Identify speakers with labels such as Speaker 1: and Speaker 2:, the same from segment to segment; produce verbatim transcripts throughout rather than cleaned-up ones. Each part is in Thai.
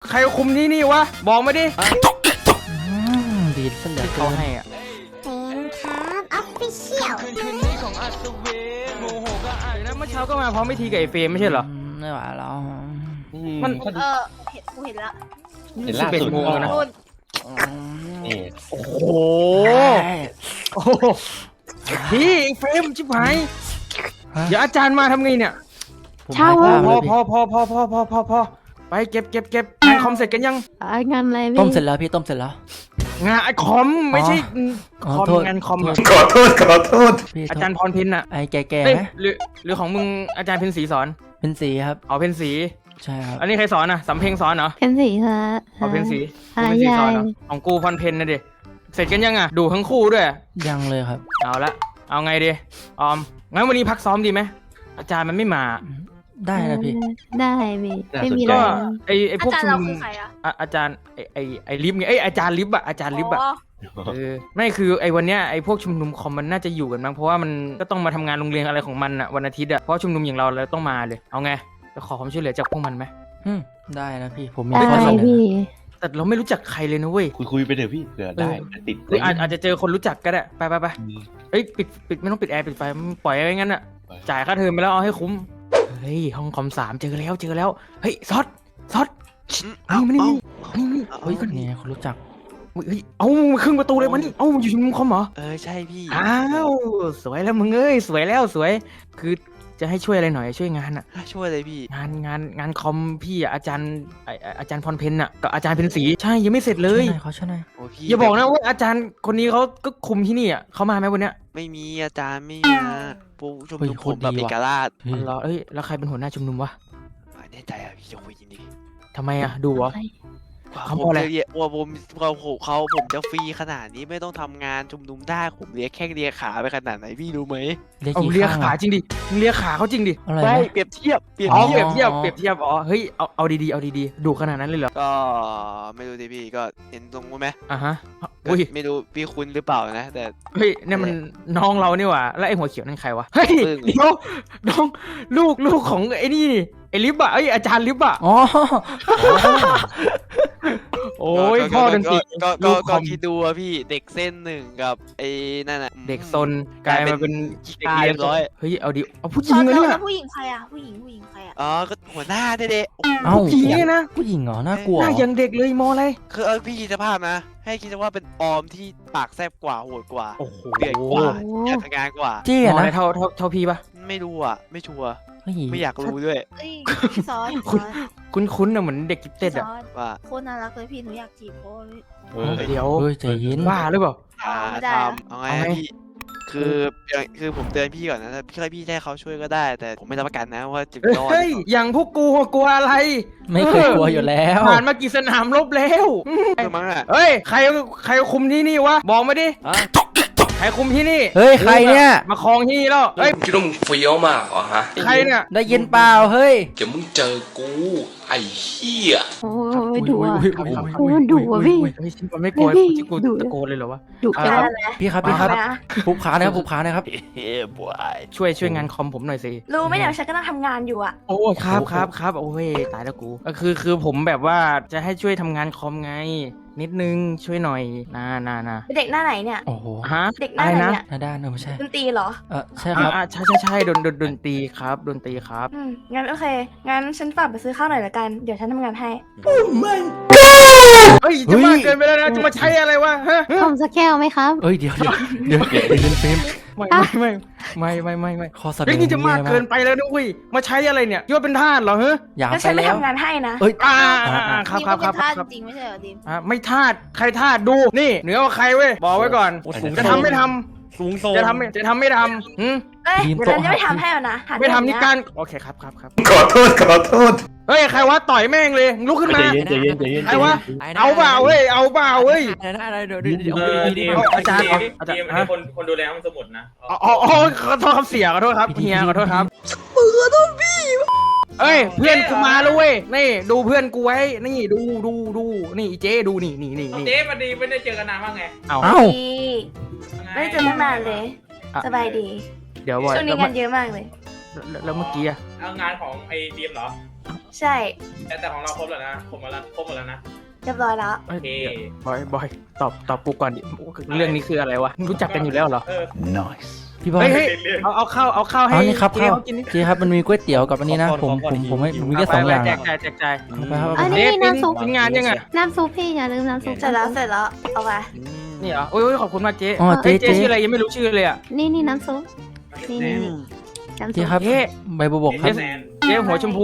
Speaker 1: ใครคุมที่นี่วะบอกมาดิ
Speaker 2: ดีดเสนอ
Speaker 1: เขาให้อ่ะ
Speaker 3: เป็นครับออฟฟิเชียล
Speaker 1: คืนคืนนี้ของอัศเวทโมโหก็อ่านนะเมื่อเช้าก็มาพร้อมพิธีกับไอ้เฟรมไม่ใช่เหรอ
Speaker 2: ไม่ไหวแล้ว
Speaker 1: มัน
Speaker 3: เออเห็นกูเห็นแล้ว
Speaker 4: เห็นล่าสุด
Speaker 1: นะ
Speaker 4: นี่
Speaker 1: โอ้โหโอ้โหพี่ไอ้เฟรมชิบหายเดี๋ยวอาจารย์มาทำไงเนี่ย
Speaker 2: เช่า
Speaker 1: พอพอพอพอพอพอพอพอไปเก็บเก็บเก็บงานคอมเสร็จกันยัง
Speaker 3: งานอะไรพี่
Speaker 2: ต้มเสร็จแล้วพี่ต้มเสร็จแล้ว
Speaker 1: งานไอคอมไม่ใช่คอมงานคอม
Speaker 4: ขอโทษขอโทษ
Speaker 1: อาจารย์พรพินอ่ะ
Speaker 2: ไอ้แก่
Speaker 1: ๆหรือหรือของมึงอาจารย์เพ็ญศรีสอน
Speaker 2: เพ็ญศรีครับ
Speaker 1: อ๋อเพ็ญศรี
Speaker 2: ใช่ครับ
Speaker 1: อันนี้ใครสอนอ่ะสำเพ็งสอนเหรอ
Speaker 3: เพ็ญศรีค่ะ
Speaker 1: อ๋อเพ็ญศรีเพ็ญศรีสอนเหรอของกูพรเพ็ญนะดิเสร็จกันยังอ่ะดูทั้งคู่ด้วย
Speaker 2: ยังเลยครับ
Speaker 1: เอาละเอาไงดีออมงั้นวันนี้พักซ้อมดีไหมอาจารย์มันไม่มา
Speaker 2: ได้นะพี่
Speaker 3: ได้พี่ไม่มี
Speaker 1: ก็ไอไอพวก
Speaker 3: ชุมนุม
Speaker 1: อาจารย์ไอไอไอลิฟไงไออาจารย์ลิฟอะอาจารย์ลิฟอะเออไม่คือไอวันเนี้ยไอพวกชุมนุมคอมมันน่าจะอยู่กันมั้งเพราะว่ามันก็ต้องมาทำงานโรงเรียนอะไรของมันอะวันอาทิตย์อะเพราะชุมนุมอย่างเราเราต้องมาเลยเอาไงจะขอความช่วยเหลือจากพวกมันไหม
Speaker 2: ได้นะพี่ผมมี
Speaker 3: ข้อเสนอ
Speaker 1: แต่เราไม่รู้จักใครเลยนะเว้ย
Speaker 4: คุยคุยไปเถอะพี่เผื่อได้ติด
Speaker 1: หรืออาจจะเจอคนรู้จักก็ได้ไปไปไปเอ้ยปิดปิดไม่ต้องปิดแอร์ปิดไฟปล่อยไว้งั้นอะจ่ายค่าเทอมไปแล้วเอาให้คุ้มเฮ้ยห้องคอมสามเจอแล้วเจอแล้วเฮ้ยซอสซอสนี่มานี่นี่นี่เฮ้ยก็
Speaker 2: นี่คนรู้จัก
Speaker 1: เฮ้ยเอาครึ่งประตูเลยมันนี่เอาอยู่ชุมนุมคอมเหรอ
Speaker 4: เออใช่พี่
Speaker 1: อ้าวสวยแล้วมึงเอ้ยสวยแล้วสวยคือจะให้ช่วยอะไรหน่อยช่วยงานอะ
Speaker 4: ช่วยเลยพี่
Speaker 1: งานงานงานคอมพี่อะอาจารย์อาจารย์พรเพ็ญอะกับอาจารย์เพ็ญศรีใช่ยังไม่เสร็จเลย
Speaker 2: เขาช่วยหน่อย
Speaker 1: อย่าบอกนะว่าอาจารย์คนนี้เขาก็คุมที่นี่อะเขามาไหมวันเนี้ย
Speaker 4: ไม่มีอาจารย์ไม่มาผู้ชุมนุมคนแบบเอกราช
Speaker 1: เหรอเอ้ยแล้วใครเป็นหัวหน้าชุมนุมวะ
Speaker 4: แน่ใจอะพี่จะคุยจริง
Speaker 1: ทำไมอะดูวะ
Speaker 4: เขาบอกเลยว่าผมเขาเขาผมจะฟรีขนาดนี้ไม่ต้องทำงานชุมนุมได้ผมเลียแข้งเลียขาไปขนาดไหนพี่รู้ไหม
Speaker 1: เอาเลียขาจริงดิเลียขาเขาจริงดิ
Speaker 4: ไม่เปรียบเทียบ
Speaker 1: เปรียบเทียบเทียบเปรียบเทียบอ๋อเฮ้ยเอาเอาดีๆเอาดีๆดูขนาดนั้นเลยเหรอ
Speaker 4: ก็ไม่รู้ดิพี่ก็เห็นตรงไหม
Speaker 1: อ่ะฮะอุ้ย
Speaker 4: ไม่รู้พี่คุณหรือเปล่านะแต่
Speaker 1: เฮ้ยเนี่ยมันน้องเราเนี่ยว่ะแล้วไอ้หัวเขียวนั่นใครวะเฮ้ยเดี๋ยวน้องลูกลูกของไอ้นี่ไอ้ลิฟต์อะไอ้อาจารย์ลิฟต์อะ
Speaker 2: อ๋อ
Speaker 1: โอ้ยพ่อดนตรี
Speaker 4: ก็ก็ก็คิดดูอะพี่เด็กเส้นหนึ่งกับไอ้นั่นอะ
Speaker 1: เด็กซนกลายมาเป็น
Speaker 4: เด็กเรียบร้อย
Speaker 1: เฮ้ยเอาดิเอาผู้หญิงเลยเนี่ย
Speaker 3: ผู้หญิงใครอะผู้หญิงผู้หญิงใครอะ
Speaker 4: อ๋อก็หัวหน้าเด็ก
Speaker 1: เอ้าผู้หญิงนะ
Speaker 2: ผู้หญิงเหรอน่ากลัว
Speaker 1: หน้ายังเด็กเลยมออะไร
Speaker 4: คือเออพี่คิดสภาพนะให้คิดว่าเป็นออมที่ปากแซ่บกว่าโหดกว่า
Speaker 1: โอ้โห
Speaker 4: เดือดกว่าอยากทำงานกว่า
Speaker 2: เจ๊
Speaker 1: นะเท่าเท่าเท่าพี่ปะ
Speaker 4: ไม่รู้อ่ะไม่ชัวร์ไม่อยากรู้ด้วย
Speaker 3: ซอส
Speaker 1: คุ้นคุ้นๆนะเหมือนเด็กกิ๊บเต็ดอะ
Speaker 4: ว่า
Speaker 3: โคตรน่ารักเลยพี่หนูอยากจีบโคตร
Speaker 1: เดี๋ยว
Speaker 2: ใจเย็น
Speaker 1: บ้าหรือเปล่า
Speaker 4: ทำเอาไงพี่คือคือผมเตือนพี่ก่อนนะถ้าพี่พี่ให้เขาช่วยก็ได้แต่ผมไม่รับประกันนะว่าจะรอด
Speaker 1: เฮ้ยอย่างพวกกูกลัวอะไร
Speaker 2: ไม่เคยกลัวอยู่แล้ว
Speaker 1: ผ่านมากี่สนามรบแล้วเฮ้ยใครใครคุมที่นี่วะบอกมาดิใครคุมที่นี่
Speaker 2: เฮ้ยใครเนี่ย
Speaker 1: มาครองที่นี่แล้วเฮ้ย
Speaker 5: คิดว่ามึงเฟี้ยวมากเหรอฮะ
Speaker 1: ใครเนี่ย
Speaker 2: ได้ยินเปล่าเฮ้ย
Speaker 5: เดี๋ยวมึงเจอกูไอ้เหี้ย
Speaker 3: โอ้ยดุอ่ะโอ้ยดุอ่ะพี่
Speaker 1: ไม่โกรธที่กูตะโกนเลยเหรอวะ
Speaker 3: ดุจัง
Speaker 2: พี่ครับพี่ครับผูกขานะครับผูกขานะครับ
Speaker 4: เฮ้ยบวย
Speaker 1: ช่วยช่วยงานคอมผมหน่อยสิ
Speaker 3: รู้ไหมเดี๋ยวฉันก็ต้องทำงานอยู่อ่ะ
Speaker 1: โอ้ครับครับครับโอ้ยตายแล้วกูก็คือคือผมแบบว่าจะให้ช่วยทำงานคอมไงนิดนึงช่วยหน่อยนานานา
Speaker 3: เด็กหน้าไหนเนี่ย
Speaker 2: โอ้โห
Speaker 1: ฮะ
Speaker 3: เด็กหน้าไหนเนี่ย
Speaker 2: หน้าด้านเออไม่ใช่
Speaker 3: ดนตรีเหรอ
Speaker 2: เออใช่ครับ
Speaker 1: ใช่ใช่ใช่ดนดนดนตรีครับดนตรีครับ
Speaker 3: อืมงั้นโอเคงั้นฉันฝากไปซื้อข้าวหน่อยละกันเดี๋ยวฉันทำงานให้
Speaker 1: โอ้ไม่เฮ้ยจะมากเกินไปแล้วนะจะมาใช้อะไรวะฮะ
Speaker 3: ผมสักแก้วไหมครับ
Speaker 2: เอ้ยเดี๋ยวเดี๋ยวเดี๋ยวเดี๋ยวเดี๋ยวเฟม
Speaker 1: ไม่ไม่ไม่ไม่ไม่ไม่
Speaker 2: ข้อเสนอ
Speaker 1: นี่จะมากเกินไปแล้วนะอุ้ยมาใช้อะไรเนี่ยคิดว่าเป็นทาสเหรอฮะ
Speaker 2: อยากไปแล้ว
Speaker 3: ฉันไม่ทำงานให้นะ
Speaker 2: เอ้ย
Speaker 1: อ่าครับครับครับ
Speaker 3: ครับจริงไม่ใช่เหรอดิม
Speaker 1: อ่าไม่ทาสใครทาสดูนี่เหนือกว่าใครเว้ยบอกไว้ก่อนจะทำไม่ทำ
Speaker 4: สูงโซ
Speaker 1: จะทำจะทำไม่ทำหืม
Speaker 3: เอ้ยเดี๋ยวฉันจะไม่ทำให้แล้วนะ
Speaker 1: ไม่ทำนี่การโอเคครับครับครับ
Speaker 4: ขอโทษขอโทษ
Speaker 1: เฮ้ยใครวะต่อยแม่งเลยลุกขึ้นมาใครวะเอาเปล่าเว้ยเอาเปล่าเว้ย
Speaker 2: อะไรเดี๋ยวเดี๋ยว
Speaker 1: อาจารย์อาจารย์ฮะ
Speaker 5: คนคนดูแลห้องสมุดนะ
Speaker 1: อ๋ออ๋อขอโทษครับเสียขอโทษครับเฮียขอโทษครับมือโทษพี่เอ้ยเพื่อนกูมาแล้วเว้ยนี่ดูเพื่อนกูไว้นี่ดูดูดูนี่เจ๊ดูนี่นี่นี่
Speaker 5: เจ๊มาดีไม่ได้เจอกันนานว่าไง
Speaker 1: เอา
Speaker 3: ไม่ได้เจอตั้งนานเลยสบายดี
Speaker 1: เดี๋ยว
Speaker 3: ช่วงนี้งานเยอะมากเลย
Speaker 1: แล้วเมื่อกี้อะ
Speaker 5: เอางานของไอ้ดีมเหรอ
Speaker 3: ใช่
Speaker 5: แต่แต่ของเราครบแล้วนะครบหมดแล้วครบหมดแล้วนะ
Speaker 3: เรียบร้อยแล้ว
Speaker 5: โอเค
Speaker 1: บอยบอยตอบตอบกูก่อนดิเรื่องนี้คืออะไรวะรู้จักกันอยู่แล้วเหรอ
Speaker 5: เออ
Speaker 2: พี่บอย
Speaker 1: เฮ้ยเฮ้ยเอาเอาข้าวเอาข้าวให้
Speaker 2: เอานี่ครับ
Speaker 1: เจ๊
Speaker 2: ข้าว
Speaker 1: เขากินนี่
Speaker 2: เจ๊ครับมันมีก๋วยเตี๋ยวกับอันนี้นะผมผมผมให้ผมมีแค่สองอย่าง
Speaker 1: แจ
Speaker 2: อะ
Speaker 1: กจ่ายแจกจ่าย
Speaker 2: เอาไปครับ
Speaker 6: อันนี้
Speaker 1: เจ๊
Speaker 6: น้ำซุป
Speaker 1: กินงานยังไง
Speaker 6: น้ำซุปพี่อย่าลืมน้ำซุป
Speaker 3: เสร็จแล้วเสร็จแล้วเอาไป
Speaker 1: นี่เหรอโอ้ยขอบคุณมากเจ๊
Speaker 2: อ๋อเจ๊
Speaker 1: เจ๊
Speaker 2: เจ๊
Speaker 1: ชื่ออะไรยังไม่รู้ชื่อเลยอ่ะ
Speaker 6: นี่นี่น้ำซุปนี่นี่น้ำซุ
Speaker 2: เจ๊
Speaker 6: ป
Speaker 2: ครับ
Speaker 1: เจ๊
Speaker 2: ใบบัวบกครับ
Speaker 5: แสน
Speaker 1: เจ๊หัวชมพู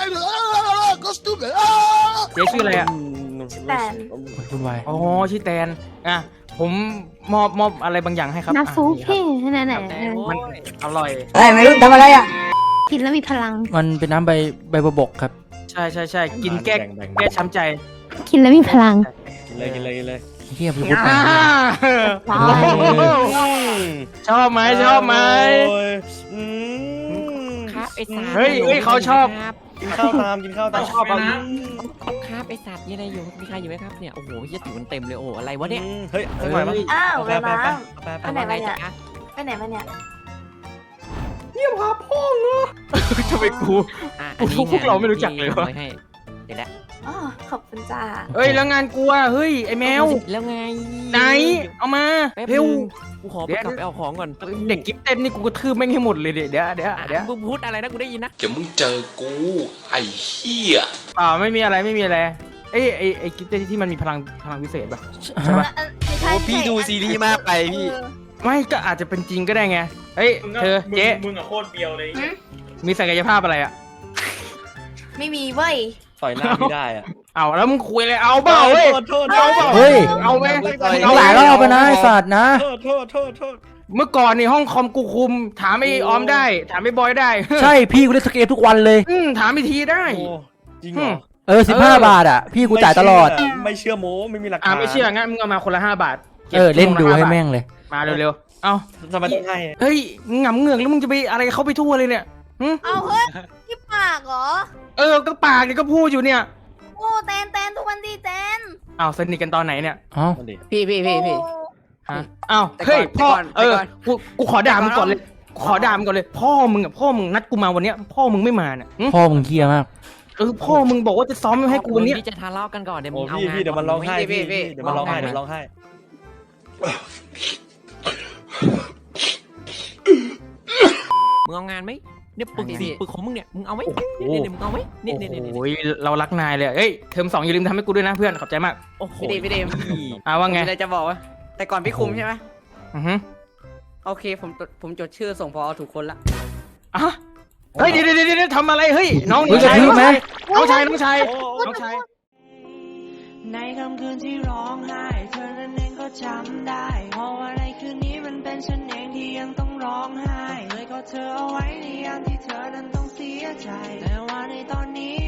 Speaker 1: เจ๊ชื่ออะไรอ่ะ
Speaker 3: แต่
Speaker 2: คุณวาย
Speaker 1: อ๋อชื่อแตนอ่ะผมมอบมอบอะไรบางอย่างให้ครับ
Speaker 6: น้ำซุป
Speaker 1: อ่ะนี่
Speaker 6: พี่นั่นแหละ
Speaker 1: ครับมันอร่อย
Speaker 6: กินแล้วมีพลัง
Speaker 2: มันเป็นน้ำใบใบบัวบกครับ
Speaker 1: ใช่ใช่ใช่กินแก้แก้ช้ำใจ
Speaker 6: กินแล้วมีพลัง
Speaker 7: เลยกินเลยกินเลย
Speaker 2: เฮียพี่พูดไป
Speaker 1: อ่า
Speaker 6: ว้าว
Speaker 1: ชอบไหมชอบไหม
Speaker 7: โอ้ยอืม
Speaker 8: ครับไอ้สัตว์
Speaker 1: เฮ้ยเฮ้ยเขาชอบ
Speaker 8: ครับ
Speaker 7: กินข้าวตามกินข้าวตาม
Speaker 1: ชอบเอา
Speaker 5: นะ
Speaker 8: ครับไอ้สัตว์มีอะไรอยู่มีใครอยู่ไหมครับเนี่ยโอ้โหเหี้ยติ๋วมันเต็มเลยโอ้โหอะไรวะเนี่ย
Speaker 7: อืมเฮ้ยสักหน่อยมั้ย
Speaker 3: อ้าว
Speaker 7: ไป
Speaker 3: เว
Speaker 7: ไป
Speaker 3: ลา
Speaker 7: ไปไป
Speaker 3: ไปไหน
Speaker 8: ว่าไง
Speaker 3: มาเนี่ย
Speaker 8: จ๊ะ
Speaker 3: ไปไหนมาเนี่ย
Speaker 1: ทำไมกู
Speaker 8: อ่ะ
Speaker 1: พวก
Speaker 8: อันนี้
Speaker 1: พวกเราไม่รู้จักเลยวะ
Speaker 8: ที่อาไให้เดี๋ยวละ
Speaker 3: อ๋อขอบคุณจ้า
Speaker 1: เฮ้ยแล้วงานกูอ่ะเฮ้ยไอแมว
Speaker 8: แล้วไง
Speaker 1: ไหนเอามา
Speaker 8: แป๊บ
Speaker 1: เร็ว
Speaker 8: นึงกูขอไป
Speaker 1: เดี๋ยว
Speaker 8: กลับไปเอาของก่อน
Speaker 1: เด็กกิ๊บเต้นนี่กูกระทืบแม่งให้หมดเลยเดี๋ยวเดี๋ยวเดี๋ยว
Speaker 8: อ่ะ
Speaker 1: เดี๋ยว
Speaker 8: มึงพูดอะไรนะกูได้ยินนะ
Speaker 5: เดี๋ยวมึงเจอกูไอ้เหี้ย
Speaker 1: อ่าไม่มีอะไรไม่มีอะไรเอ้ยไอไอกิ๊บเต้นที่มันมีพลังพลังพิเศษป่ะใช่ป่ะ
Speaker 3: เออไม่ใช่
Speaker 4: โอ้พี่ดูซีรีส์มากไปพี่
Speaker 3: เออ
Speaker 1: ไม่ก็อาจจะเป็นจริงก็ได้ไงเฮ้ย
Speaker 5: มึงก็
Speaker 1: เธอ
Speaker 5: มึง
Speaker 1: เจ๊
Speaker 5: มึงอะโคตรเบียวเลย
Speaker 3: หืม
Speaker 1: มีศักยภาพอะไรอ่ะ
Speaker 3: ไม่มีเว้ย
Speaker 7: ต่อยหน้าไม่ได้อะ
Speaker 1: เอาแล้วมึงคุยเลยเอาเปล่าเว้ย
Speaker 7: โทษโทษ
Speaker 1: เอาเปล่า
Speaker 2: เฮ้ย
Speaker 1: เอาไหม
Speaker 2: เอาหลายรอบไปนะไอ้สัตว์นะ
Speaker 7: โทษโทษโทษโทษ
Speaker 1: เมื่อก่อนนี่ห้องคอมกูคุม ถามไอ้ออมได้ ถามไอ้บอยได้
Speaker 2: ใช่พี่กูเล่นสเกตทุกวันเลย
Speaker 1: อืมถามไอ้ทีได้
Speaker 7: โอ้จริงเหรอ
Speaker 2: เออสิบห้าบาทอ่ะ พี่กูจ่ายตลอด
Speaker 7: ไม่เชื่อโม้ไม่มีหลักฐาน
Speaker 1: อ่าไม่เชื่องั้นมึงเอามาคนละห้าบาทก็บ
Speaker 2: เออเล่นดู
Speaker 1: คนละ
Speaker 2: ให้
Speaker 1: บาท
Speaker 2: แม่งเลย
Speaker 1: มาเร็วๆ เอา
Speaker 7: ทำไมต้องให้
Speaker 1: เฮ้ยมึงหงำเหงือกแล้วมึงจะไปอะไรเขาไปทั่วเลยเนี่ยหึ
Speaker 3: เอาเฮ้ยที่ปากเหรอ
Speaker 1: เออก็ปากเนี่ยก็พูดอยู่เนี่ย
Speaker 3: โอ้แตนแตนทุกวันดีแตน
Speaker 1: เอาสนิทกันตอนไหนเนี่ย
Speaker 2: เอ้า
Speaker 7: นั่นดิ
Speaker 8: พี่พี่พี่พี่
Speaker 3: โอ้
Speaker 1: ฮะอ้าว
Speaker 8: แต่ก่อน
Speaker 1: เฮ้ยพ่อ
Speaker 8: แต่ก่อน
Speaker 1: เออ
Speaker 8: แต่ก่อน
Speaker 1: กูกูขอด่ามึงก่อนเลยขอด่ามึงก่อนเลย พ่อมึงอ่ะพ่อมึงนัดกูมาวันเนี้ยพ่อมึงไม่มาเนี่ยหึ
Speaker 2: พ่อมึงเฮี้ยมาก
Speaker 1: เออพ่อมึงบอกว่าจะซ้อมให้กูวันเนี้ย
Speaker 8: ที่จะทะเลาะกันก่อนเดี๋ยว
Speaker 7: โอ้
Speaker 8: มึงเอา
Speaker 7: พี่
Speaker 8: งาน
Speaker 7: พี่เดี๋ยวมันร้องไห้
Speaker 8: พี่
Speaker 7: พี่
Speaker 8: พี่
Speaker 7: เดี๋ยวมันร้องไห้เดี๋ยวร้องไห้
Speaker 8: มึงเอางานไหมเนี่ยปึกสี่ปึกของมึงเนี่ยมึงเอาไหม
Speaker 1: โอ้โห
Speaker 8: เนี่ยเนี่ยมึงเอาไหมเนี่ยเนี่ยเนี่ย
Speaker 1: โอ้ยเรารักนายเลยเฮ้ยเทอมสองอย่าลืมทำให้กูด้วยนะเพื่อนขอบใจมาก
Speaker 8: โอ้โห
Speaker 9: พี่เดมพี่เดม
Speaker 1: อ่าว่าไง
Speaker 9: ผมมีอะไรจะบอกว่าแต่ก่อนพี่คุมใช่ไหม
Speaker 1: อือฮึ
Speaker 9: โอเคผมจดผมจดชื่อส่งพอถูกคนละ
Speaker 1: อ่ะเฮ้ยเดี๋ยวเดี๋ยวเดี๋ยวทำอะไรเฮ้ยน้อง
Speaker 2: เฮ้ย
Speaker 1: ชาย
Speaker 2: กระทืบไหม
Speaker 1: น้องชายน้องชายน้องชาย
Speaker 10: ในค่ำคืนที่ร้องไห้เธอนั้นเองก็จำได้เพราะว่าในคืนนี้มันเป็นฉันเองที่ยังต้องร้องไห้เลยก็เธอเอาไว้ในยามที่เธอนั้นต้องเสียใจแต่ว่าในตอนนี้